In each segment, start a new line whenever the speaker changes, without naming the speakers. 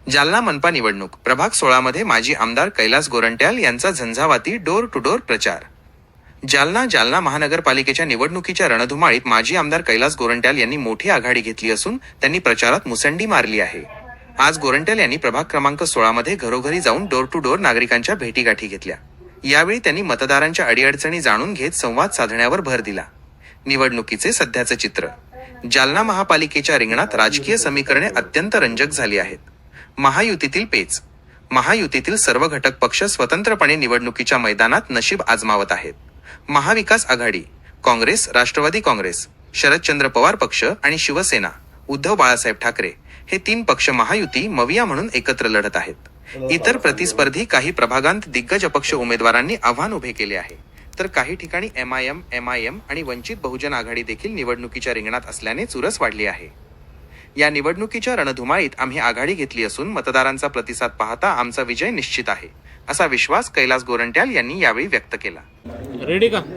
जालना मनपा निवडणूक प्रभाग 16 मध्ये माजी आमदार कैलास गोरंट्याल यांचा झंझावाती डोर टू डोर प्रचार। जालना महानगरपालिकेच्या निवडणुकीच्या रणधुमाळीत माजी आमदार कैलास गोरंट्याल यांनी मोठी आघाडी घेतली असून त्यांनी प्रचारात मुसंडी मारली आहे। आज गोरंट्याल यांनी प्रभाग क्रमांक 16 मध्ये घरोघरी जाऊन डोर टू डोर नागरिकांच्या भेटीगाठी घेतल्या। यावेळी त्यांनी मतदारांच्या अडीअडचणी जाणून घेत संवाद साधण्यावर भर दिला। निवडणुकीचे सध्याचे चित्र। जालना महापालिकेच्या रिंगणात राजकीय समीकरणे अत्यंत रंजक झाली आहेत। महायुतीतील पेच। महायुतीतील सर्व घटक पक्ष स्वतंत्रपणे निवडणुकीच्या मैदानात नशीब आजमावत आहेत। महाविकास आघाडी, काँग्रेस, राष्ट्रवादी काँग्रेस, शरदचंद्र पवार पक्ष आणि शिवसेना, उद्धव बाळासाहेब ठाकरे हे 3 पक्ष महायुती मविया म्हणून एकत्र लढत आहेत। इतर प्रतिस्पर्धी काही प्रभागांत दिग्गज अपक्ष उमेदवारांनी आव्हान उभे केले आहे, तर काही ठिकाणी एमआयएम आणि वंचित बहुजन आघाडी देखील निवडणुकीच्या रिंगणात असल्याने चुरस वाढली आहे। या निवडणुकीच्या रणधुमाळीत आम्ही आघाडी घेतली असून मतदारांचा प्रतिसाद पाहता आमचा विजय निश्चित आहे, असा विश्वास कैलास गोरंट्याल यांनी यावेळी व्यक्त केला।
रेडी का?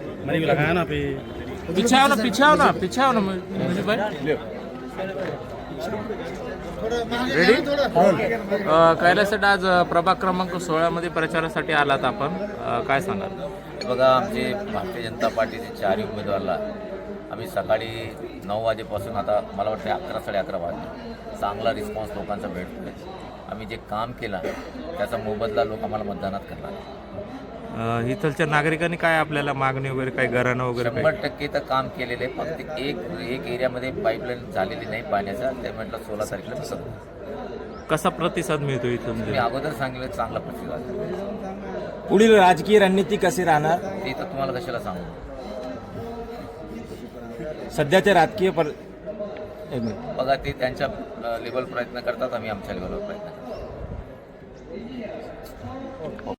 पीछे आओ ना रेडी। कैलास आज प्रभाग क्रमांक 16 मध्ये प्रचारासाठी आलात आपण, काय सांगाल?
बघा, आमचे भारतीय जनता पार्टीचे 4 उमेदवारला आम्ही सकाळी 9 वाजेपासून आता मला वाटतं 11 साडे11 वाजले चांगला रिस्पॉन्स लोकांचा भेटतो आहे। आम्ही जे काम केलं त्याचा मोबदला लोक आम्हाला मतदानात करणार।
इथलच्या नागरिकांनी काय आपल्याला मागणी वगैरे काय घराणं वगैरे
100% तर काम केलेलं आहे, फक्त एक एरियामध्ये पाईपलाईन झालेली नाही पाण्याचा, ते म्हटलं 16 तारखेला मी
कसा प्रतिसाद मिळतो इथं?
मी अगोदर सांगितलं चांगला प्रतिसाद।
पुढील राजकीय रणनीती कशी राहणार
ते तर तुम्हाला कशाला सांगू।
सध्याच्या राजकीय
बघा, ते त्यांच्या लेवल प्रयत्न करतात, आम्ही आमच्या लेवलवर प्रयत्न करतो।